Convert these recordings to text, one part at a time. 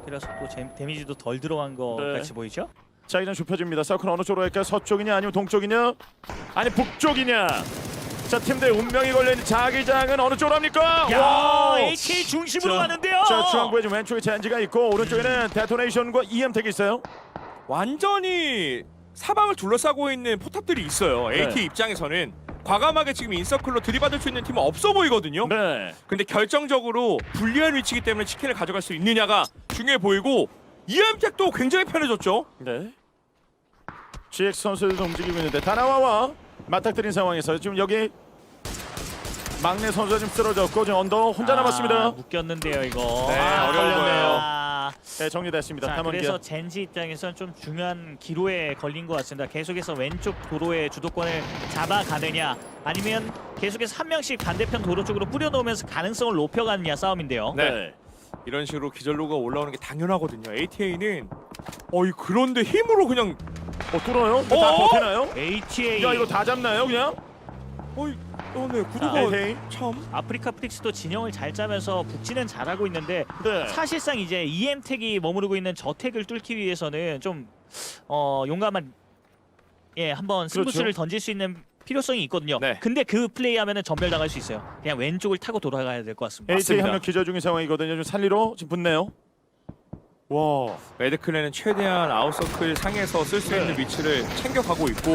그래서 또 데미지도 덜 들어간 것 네. 같이 보이죠? 자 이제 좁혀집니다. 서클 어느 쪽으로 갈까요? 서쪽이냐 아니면 동쪽이냐? 아니 북쪽이냐? 자 팀들 운명이 걸려있는 자기장은 어느 쪽으로 합니까? 야, 와우! AK 중심으로 자, 가는데요. 자 중앙부에 지금 왼쪽에 젠지가 있고 오른쪽에는 데토네이션과 EM택이 있어요. 완전히 사방을 둘러싸고 있는 포탑들이 있어요. 네. AT 입장에서는 과감하게 지금 인서클로 들이받을 수 있는 팀은 없어 보이거든요. 네. 근데 결정적으로 불리한 위치이기 때문에 치킨을 가져갈 수 있느냐가 중요해 보이고 EM택도 굉장히 편해졌죠. 네. GX 선수들도 움직이고 있는데 다나와와 맞닥뜨린 상황에서 지금 여기 막내 선수가 지금 쓰러졌고 지금 언더 혼자 남았습니다. 묶였는데요 이거. 네, 어려웠네요. 네 정리됐습니다. 자, 탐험기아. 그래서 젠지 입장에서는 좀 중요한 기로에 걸린 것 같습니다. 계속해서 왼쪽 도로의 주도권을 잡아가느냐 아니면 계속해서 한 명씩 반대편 도로 쪽으로 뿌려놓으면서 가능성을 높여가느냐 싸움인데요. 네. 이런 식으로 기절로가 올라오는 게 당연하거든요. ATA는 그런데 힘으로 그냥 뚫어요? 이거 다 어어? 버티나요? ATA 야 이거 다 잡나요 그냥? 네 구도가 에헤이. 참 아프리카 프릭스도 진영을 잘 짜면서 북진은 잘하고 있는데 네. 사실상 이제 EM택이 머무르고 있는 저택을 뚫기 위해서는 좀 용감한 한번 승부수를 그렇죠. 던질 수 있는 필요성이 있거든요. 네. 근데 그 플레이하면은 전멸당할 수 있어요. 그냥 왼쪽을 타고 돌아가야 될 것 같습니다. AJ 한 명 기절 중인 상황이거든요. 좀 살리러 지금 붙네요. 와. 매드클랜은 최대한 아웃서클 상에서 쓸 수 있는 위치를 챙겨가고 있고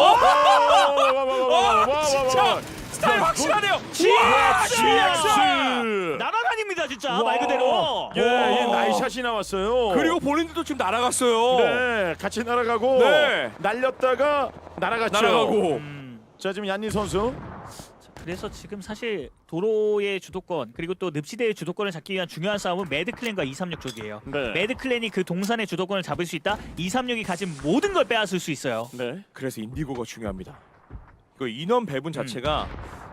진짜 스타일 확실하네요. GX! 날아다닙니다 진짜 와. 말 그대로. 예, 예, 나이샷이 나왔어요. 그리고 본인들도 지금 날아갔어요. 네, 같이 날아가고 네. 날렸다가 날아갔죠. 날아가고 자, 지금 얀니 선수. 그래서 지금 사실 도로의 주도권 그리고 또 늪지대의 주도권을 잡기 위한 중요한 싸움은 매드클랜과 236 쪽이에요. 네. 매드클랜이 그 동산의 주도권을 잡을 수 있다. 236이 가진 모든 걸 빼앗을 수 있어요. 네. 그래서 인디고가 중요합니다. 그 인원 배분 자체가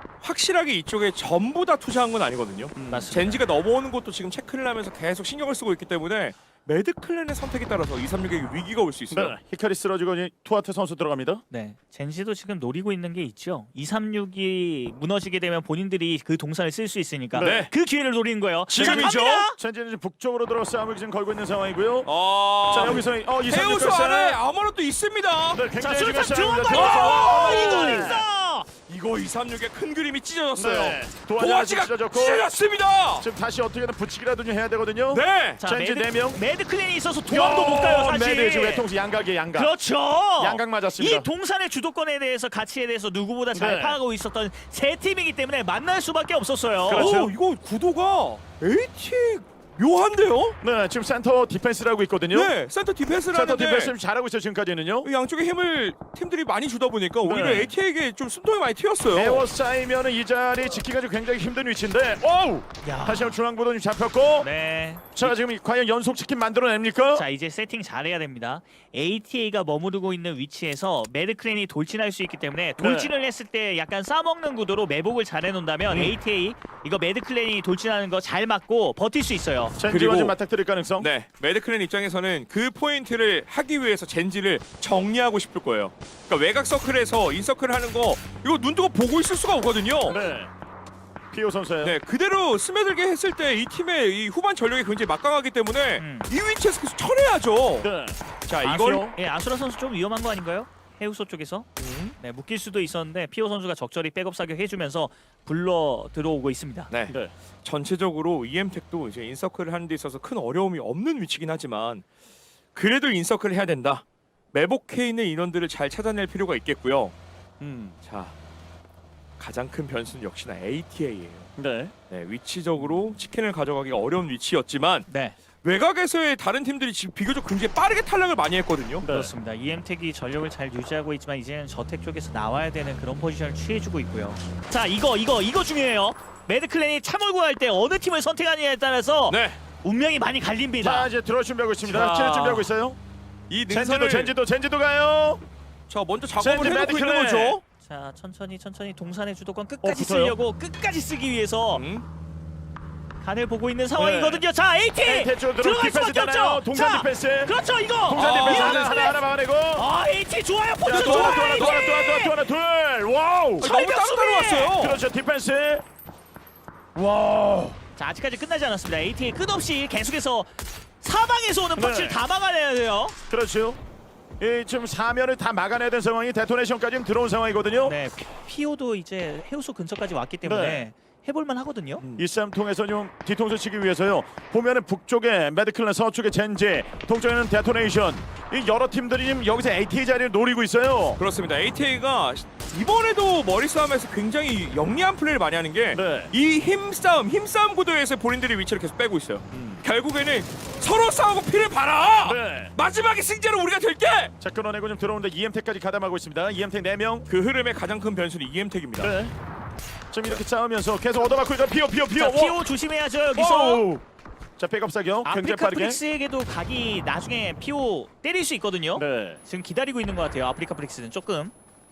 확실하게 이쪽에 전부 다 투자한 건 아니거든요. 맞습니다. 젠지가 넘어오는 것도 지금 체크를 하면서 계속 신경을 쓰고 있기 때문에 매드클랜의 선택에 따라서 236에게 위기가 올 수 있어요. 네. 히카리 쓰러지고 이제 투아트 선수 들어갑니다. 네, 젠지도 지금 노리고 있는 게 있죠. 236이 무너지게 되면 본인들이 그 동산을 쓸 수 있으니까 네. 그 기회를 노리는 거예요. 지금이죠. 자, 갑니다! 젠지는 지금 북쪽으로 들어 싸움을 지금 걸고 있는 상황이고요. 자, 여기서 이삼육 해우소 안에 아무것도 있습니다. 네, 자, 굉장히 술탄 지금 들어간 싸움입니다. 거 네. 이거 있어. 이거 236의 큰 그림이 찢어졌어요. 네. 도화지가 찢어졌고 찢어졌습니다. 지금 다시 어떻게든 붙이기라도 좀 해야 되거든요. 네. 자, 젠지 4명. 매드클랜이 있어서 도망도 못 가요 사실. 네, 지금 외통수 양각이에요, 양각. 그렇죠. 양각 맞았습니다. 이 동산의 주도권에 대해서 가치에 대해서 누구보다 잘 네. 파악하고 있었던 세 팀이기 때문에 만날 수밖에 없었어요. 그렇죠. 이거 구도가 AT 묘한데요? 네, 지금 센터 디펜스라고 있거든요. 네, 센터 디펜스를 센터 하는데 디펜스 좀 잘하고 있어요, 지금까지는요. 양쪽에 힘을 팀들이 많이 주다 보니까 오히려 네. AT에게 좀 숨통이 많이 튀었어요. 에워싸이면은 이 자리 지키기가 좀 굉장히 힘든 위치인데, 오우! 야. 다시 한번 중앙보도 좀 잡혔고, 네. 자 지금 과연 연속 치킨 만들어냅니까? 자 이제 세팅 잘해야 됩니다. ATA가 머무르고 있는 위치에서 매드클랜이 돌진할 수 있기 때문에 돌진을 했을 때 약간 싸먹는 구도로 매복을 잘 해놓는다면 ATA 이거 매드클랜이 돌진하는 거 잘 맞고 버틸 수 있어요. 젠지와 그리고- 좀 맞닥뜨릴 가능성. 네, 매드클랜 입장에서는 그 포인트를 하기 위해서 젠지를 정리하고 싶을 거예요. 그러니까 외곽 서클에서 인서클을 하는 거 이거 눈 뜨고 보고 있을 수가 없거든요. 네. 피오 선수예요. 네, 그대로 스며들게 했을 때 이 팀의 이 후반 전력이 굉장히 막강하기 때문에 이 위치에서 계속 쳐내야죠. 네. 자, 이걸 아수라 선수 좀 위험한 거 아닌가요? 해우소 쪽에서 네, 묶일 수도 있었는데 피오 선수가 적절히 백업 사격 해주면서 불러 들어오고 있습니다. 네. 네. 전체적으로 EM택도 이제 인서클을 하는 데 있어서 큰 어려움이 없는 위치긴 하지만 그래도 인서클을 해야 된다. 매복해 있는 인원들을 잘 찾아낼 필요가 있겠고요. 자, 가장 큰 변수는 역시나 ATA예요. 네. 네, 위치적으로 치킨을 가져가기가 어려운 위치였지만 네, 외곽에서의 다른 팀들이 지금 비교적 굉장히 빠르게 탈락을 많이 했거든요. 네. 그렇습니다. EM택이 전력을 잘 유지하고 있지만 이제는 저택 쪽에서 나와야 되는 그런 포지션을 취해주고 있고요. 자 이거 중요해요. 매드클랜이 참을고 할 때 어느 팀을 선택하느냐에 따라서 네, 운명이 많이 갈립니다. 자 이제 들어올 준비하고 있습니다. 자. 치는 준비하고 있어요. 이 능선을 젠지도 가요. 자 먼저 작업을 젠지 해놓고 있는 매드클랜. 거죠. 자 천천히 동산의 주도권 끝까지 붙어요? 쓰려고 끝까지 쓰기 위해서 음. 간을 보고 있는 상황이거든요. 자 AT 에이테 쪽으로 들어갈 디펜스 수밖에 되나요? 없죠. 동산 자, 디펜스. 그렇죠 이거. 동산 디펜스 아, 하나 막아내고. AT 좋아요. 자, 포지션 또 하나, 좋아요. 또 하나, 둘. 와우. 너무 따로따로 왔어요. 그렇죠, 디펜스. 와우. 자 아직까지 끝나지 않았습니다. AT 끝없이 계속해서 사방에서 오는 펀치를 네. 다 막아내야 돼요. 그렇죠. 이 지금 사면을 다 막아내야 되는 상황이 데토네이션까지 들어온 상황이거든요. 네, 피오도 이제 해우소 근처까지 왔기 때문에 네. 해볼만 하거든요. 이 싸움 통해서 좀 뒤통수 치기 위해서요. 보면은 북쪽에 매드클랜, 서쪽에 젠지, 동쪽에는 데토네이션. 이 여러 팀들이 지금 여기서 ATA 자리를 노리고 있어요. 그렇습니다. ATA가 이번에도 머리 싸움에서 굉장히 영리한 플레이를 많이 하는 게 이 네. 힘싸움 구도에서 본인들이 위치를 계속 빼고 있어요. 결국에는 서로 싸우고 피를 봐라. 네. 마지막에 승자는 우리가 될게. 자, 끊어내고 좀 들어오는데 EM택까지 가담하고 있습니다. EM택 4명. 그 흐름의 가장 큰 변수는 EM택입니다. 네. 지금 이렇게 싸우면서 계속 얻어맞고 있다. 피오. 자, 피오 조심해야죠 여기서. 오! 자, 백업 사격 굉장히 아프리카 빠르게. 프릭스에게도 각이 나중에 피오 때릴 수 있거든요. 네. 지금 기다리고 있는 것 같아요. 아프리카 프릭스는 조금.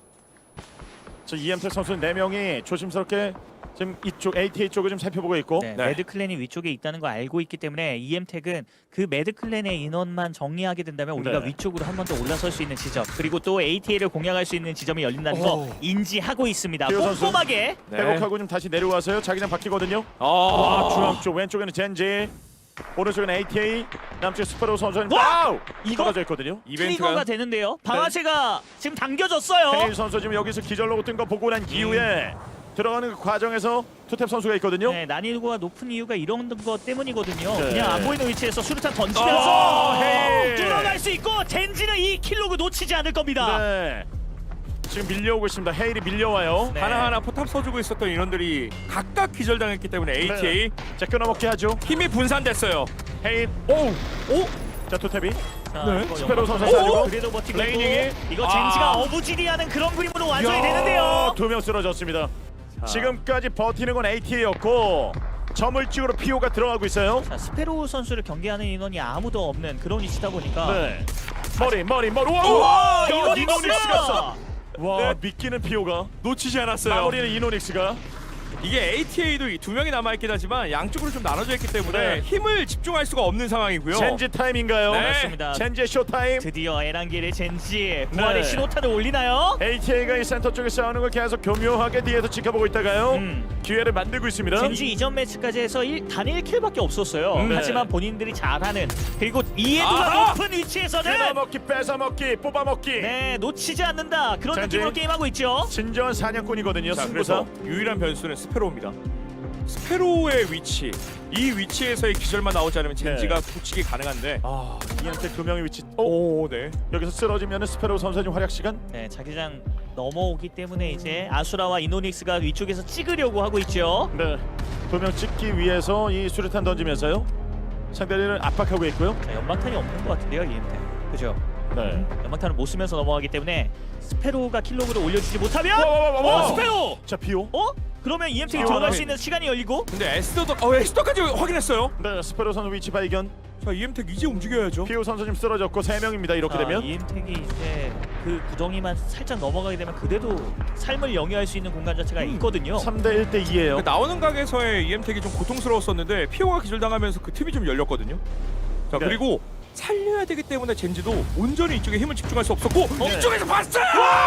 저 EM택 선수 4명이 조심스럽게 지금 이쪽 ATA 쪽을 좀 살펴보고 있고. 네, 네. 매드클랜이 위쪽에 있다는 걸 알고 있기 때문에 EM택은 그 매드클랜의 인원만 정리하게 된다면 우리가 네. 위쪽으로 한 번 더 올라설 수 있는 지점, 그리고 또 ATA를 공략할 수 있는 지점이 열린다는 거 인지하고 있습니다. 피오 선수. 꼼꼼하게. 네. 회복하고 좀 다시 내려와서요. 자기장 바뀌거든요. 아, 중앙 쪽, 왼쪽에는 젠지, 오른쪽에는 ATA, 남쪽에 스파로우 선수는 와! 와우! 이거? 떨어져 있거든요. 트리거가 이벤트가 되는데요. 방아쇠가 지금 당겨졌어요. 헤일 선수 지금 여기서 기절로고 뜬 거 보고 난 이후에 들어가는 그 과정에서 투탭 선수가 있거든요. 네, 난이도가 높은 이유가 이런 것 때문이거든요. 네. 그냥 안 보이는 위치에서 수류탄 던지면서 헤일! 들어갈 수 있고 젠지는 이 킬로그 놓치지 않을 겁니다. 네. 지금 밀려오고 있습니다. 헤일이 밀려와요. 네. 하나하나 포탑 써주고 있었던 인원들이 각각 기절당했기 때문에 ATA 자, 끊어먹게 하죠. 힘이 분산됐어요. 헤일. 오! 자, 투탭이. 자, 네. 이거 스페로 선수 연막- 사주고. 그래도 버티고 레이닝이. 있고 이거 아. 젠지가 어부지리하는 그런 그림으로 완성이 야, 되는데요. 2명 쓰러졌습니다. 자. 지금까지 버티는 건 ATA였고 저물찍으로 PO가 들어가고 있어요. 자, 스페로 선수를 경계하는 인원이 아무도 없는 그런 위치다 보니까 네. 머리. 우와, 우와! 이노닉스! 이노닉스가 써. 와, 네. 믿기는 PO가. 놓치지 않았어요. 마무리는 이노닉스가. 이게 ATA도 이 2명이 남아있긴 하지만 양쪽으로 좀 나눠져 있기 때문에 네. 힘을 집중할 수가 없는 상황이고요. 젠지 타임인가요? 네. 맞습니다. 젠지의 쇼타임. 드디어 에란길의 젠지 부활의 네. 신호탄을 올리나요? ATA가 이 센터 쪽에 싸우는 걸 계속 교묘하게 뒤에서 지켜보고 있다가요. 기회를 만들고 있습니다. 젠지 이전 매치까지 해서 단 1킬밖에 없었어요. 네. 하지만 본인들이 잘하는 그리고 이해도가 아하! 높은 위치에서는 뜯어먹기, 뺏어먹기, 뽑아먹기. 네 놓치지 않는다 그런 젠지. 느낌으로 게임하고 있죠. 진정한 사냥꾼이거든요. 자, 승부사. 그래서 유일한 변수는 스페로입니다. 스페로의 위치, 이 위치에서의 기절만 나오지 않으면 젠지가 굳히기 가능한데. 아, 이한테 2명의 위치. 오, 오, 네. 여기서 쓰러지면 스페로 선수의 좀 활약 시간. 네 자기장 넘어오기 때문에 이제 아수라와 이노닉스가 위쪽에서 찍으려고 하고 있죠. 네. 2명 찍기 위해서 이 수류탄 던지면서요. 상대를 압박하고 있고요. 자, 연막탄이 없는 것 같은데요 이엠테. 그죠? 네. 연막탄을 못 쓰면서 넘어가기 때문에 스페로가 킬로그를 올려주지 못하면 와. 스페로! 자, 비오. 그러면 EMT가 아, 들어갈 네. 수 있는 시간이 열리고 근데 에스더까지 확인했어요. 네, 스페로 선수 위치 발견. 자, EM택 이제 움직여야죠. 비오 선수 지금 쓰러졌고 3명입니다. 이렇게 되면. EM택이 이제 그 구덩이만 살짝 넘어가게 되면 그래도 삶을 영위할 수 있는 공간 자체가 있거든요. 3대 1대 2예요. 나오는 각에서의 EM택이 좀 고통스러웠었는데 피오가 기절당하면서 그 틈이 좀 열렸거든요. 자, 네. 그리고 살려야 되기 때문에 젠지도 온전히 이쪽에 힘을 집중할 수 없었고 네. 이쪽에서 봤어요!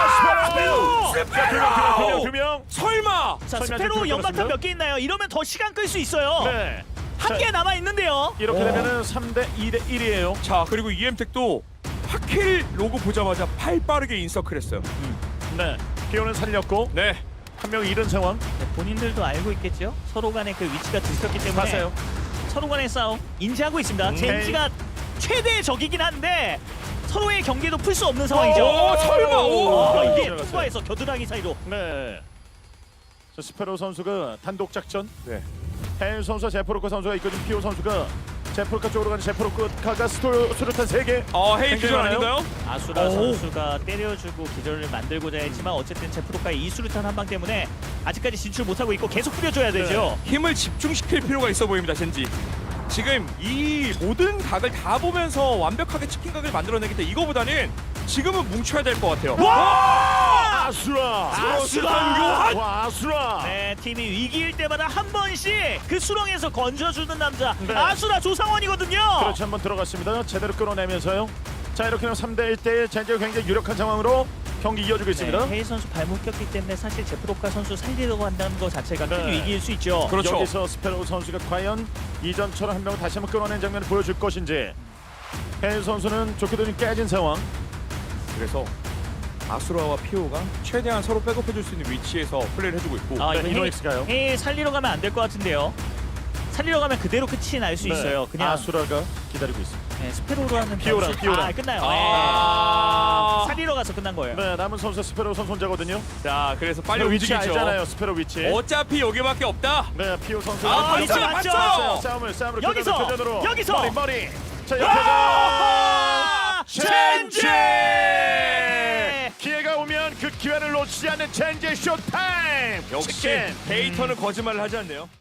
스페로! 스페로! 2명. 설마! 자 설마 스페로 지금 연막탄 끊었습니다. 몇 개 있나요? 이러면 더 시간 끌 수 있어요. 네. 한 개 남아 있는데요. 이렇게 되면은 3대 2대 1이에요. 자, 그리고 EM택도 파킬 로고 보자마자 팔 빠르게 인서클했어요. 네. 비오는 살렸고 네. 한 명 잃은 상황. 네, 본인들도 알고 있겠죠. 서로 간의 그 위치가 들켰기 때문에 봤어요. 서로 간의 싸움 인지하고 있습니다. 젠지가 최대의 적이긴 한데 서로의 경계도 풀 수 없는 상황이죠. 오, 설마! 오! 이게 들어갔어요. 투바에서 겨드랑이 사이로. 네. 저 스페로 선수가 단독 작전. 네. 헤일 선수와 제프로카 선수가 있거든. 피오 선수가 제프로카 쪽으로 가는 제프로카가 수류탄 3개. 헤이 굉장히 기절 많아요. 아닌가요? 아수라 오. 선수가 때려주고 기절을 만들고자 했지만 어쨌든 제프로카의 이 수류탄 한 방 때문에 아직까지 진출 못하고 있고 계속 뿌려줘야 되죠. 힘을 집중시킬 필요가 있어 보입니다, 젠지. 지금 이 모든 각을 다 보면서 완벽하게 치킨 각을 만들어내기 때문에 이거보다는 지금은 뭉쳐야 될 것 같아요. 아수라. 아수라! 와, 아수라. 네, 팀이 위기일 때마다 한 번씩 그 수렁에서 건져주는 남자 네. 아수라 조상원이거든요. 그렇지, 한번 들어갔습니다. 제대로 끌어내면서요. 자, 이렇게 되면 3대 1대1 젠지가 굉장히 유력한 상황으로 경기 이어지고 있습니다. 네, 헤이 선수 발목 꼈기 때문에 사실 제프로카 선수 살리려고 한다는 것 자체가 큰 네. 위기일 수 있죠. 그렇죠. 여기서 스페로 선수가 과연 이전처럼 한 명을 다시 한번 끌어낸 장면을 보여줄 것인지. 해일 선수는 좋게도 좀 깨진 상황. 그래서 아수라와 피오가 최대한 서로 백업해줄 수 있는 위치에서 플레이를 해주고 있고 아, 네, 이거 이노엑스가요. 헤이 살리러 가면 안 될 것 같은데요. 살리러 가면 그대로 끝이 날 수 네. 있어요. 그냥 아수라가 기다리고 있습니다. 네, 스페로로 하는 피오라, 변수- 피오라. 아, 끝나요. 아. 네. 살리러 가서 끝난 거예요. 네, 남은 선수 스페로 선수 혼자거든요. 자 그래서 빨리 스페로 위치 움직이죠. 알잖아요. 스페로 위치. 어차피 여기밖에 없다. 네, 피오 선수. 아, 위치 맞죠? 싸움으로 여기서! 교전으로. 여기서! 머리. 자, 아! 옆에서 첸지. 기회가 오면 그 기회를 놓치지 않는 첸지 쇼타임. 역시 치킨. 데이터는 거짓말을 하지 않네요.